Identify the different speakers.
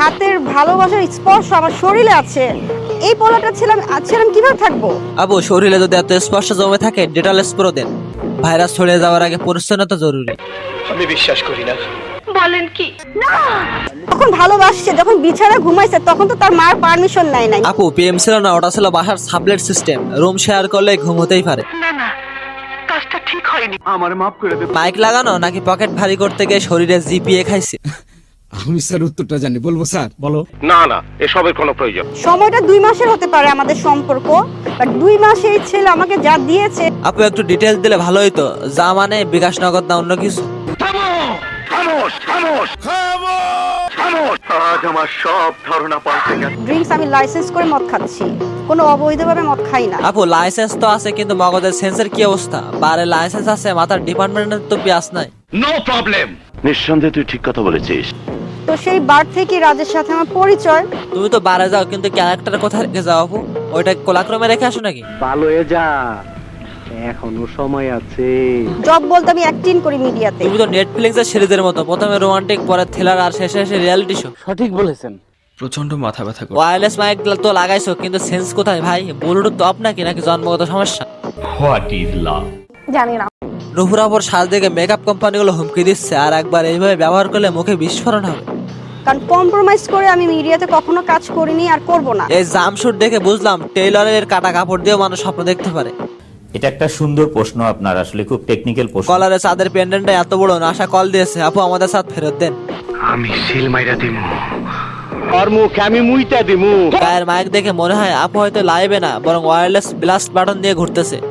Speaker 1: হাতের ভালোবাসার স্পর্শ আমার শরীরে আছে, এই পোলাটা ছিলাম কিভাবে থাকবো?
Speaker 2: আবু, শরীরে যদি এত স্পর্শ জমে থাকে ডেটল স্প্রে দেন। ভাইরাস ছড়িয়ে যাওয়ার আগে পরিচ্ছন্নতা জরুরি।
Speaker 3: আমি বিশ্বাস করি না।
Speaker 1: তখন ভালোবাসছে, যখন বিছানা ঘুমাইছে তখন তো তার মার পারমিশন নাই।
Speaker 2: আপু, পিএম ছিল না, ওটা ছিল বাসার সাবলেট সিস্টেম। রুম শেয়ার করলে ঘুম হতেই পারে।
Speaker 3: আমার মাফ করে দে।
Speaker 2: মাইক লাগানো নাকি পকেট ভারী করতে গিয়ে শরীরে জিপিএ খাইছে?
Speaker 4: আমি স্যার উত্তরটা জানি, বলবো স্যার? বলো।
Speaker 3: না না, এসবের কোনো প্রয়োজন।
Speaker 1: সময়টা 2 মাসের হতে পারে আমাদের সম্পর্ক, বাট 2 মাসে এই ছেলে আমাকে যা দিয়েছে।
Speaker 2: আপু, একটু ডিটেলস দিলে ভালো হইতো। যা মানে বিকাশ নগদ না অন্য কিছু?
Speaker 3: খামোশ খামোশ খামোশ। আজ আমার সব ধারণা পাল্টে গেছে।
Speaker 1: ড্রিঙ্কস আমি লাইসেন্স করে মদ খাচ্ছি, কোনো অবৈধভাবে মদ খাই না।
Speaker 2: আপু, লাইসেন্স তো আছে কিন্তু মগজের সেন্সের কি অবস্থা? বারে লাইসেন্স আছে, মাথার ডিপার্টমেন্টের তো পেঁয়াজ নাই।
Speaker 3: No problem. নিঃসন্দেহে তুই ঠিক কথা বলেছিস।
Speaker 1: তো সেই বার থেকে রাজের সাথে আমার পরিচয়।
Speaker 2: তুমি তো বারে যাও কিন্তু ক্যারেক্টার কোথায় রেখে যাও আপু? ওইটা কোলাক্রমে রেখে আসো নাকি?
Speaker 5: ভালো হয়ে যা, এখনো সময় আছে।
Speaker 1: জব বলতে আমি অ্যাক্টিং করি মিডিয়াতে।
Speaker 2: তুমি তো নেটফ্লিক্স এর সিরিজের মতো, প্রথমে রোমান্টিক, পরে থ্রিলার, আর শেষে এসে রিয়েলিটি শো।
Speaker 5: সঠিক বলেছেন।
Speaker 6: প্রচন্ড মাথা ব্যথা করে।
Speaker 2: ওয়্যারলেস মাইক তো লাগাইছো কিন্তু সেন্স কোথায় ভাই? ব্লুটুথ তো আপনাকে নাকি জন্মগত সমস্যা?
Speaker 1: জানি না।
Speaker 2: নুপুরাপুর সাজ দেখে মেকআপ কোম্পানিগুলো হুমকি দিচ্ছে, আর একবার এইভাবে ব্যবহার করলে মুখে বিস্ফোরণ হবে।
Speaker 1: কারণ কম্প্রোমাইজ করে আমি মিডিয়াতে কখনো কাজ করিনি আর করব না।
Speaker 2: এই জামশুট দেখে বুঝলাম টেইলরের কাটা কাপড় দিয়েও মানুষ স্বপ্ন দেখতে পারে।
Speaker 7: এটা একটা সুন্দর প্রশ্ন আপনার, আসলে খুব টেকনিক্যাল প্রশ্ন।
Speaker 2: কলারে চাঁদের পেন্ডেন্টটা এত বড় না, আশা কল দিয়েছে, আপু আমাদের সাথ ফেরত দেন।
Speaker 3: আমি সিল মাইরা দিমু।
Speaker 5: আর মুখ আমি মুইতা দিমু।
Speaker 2: গায়ের মাইক দেখে মনে হয় আপু হয়তো লাইভে না, বরং ওয়্যারলেস ব্লাস্ট বাটন দিয়ে ঘুরতেছে।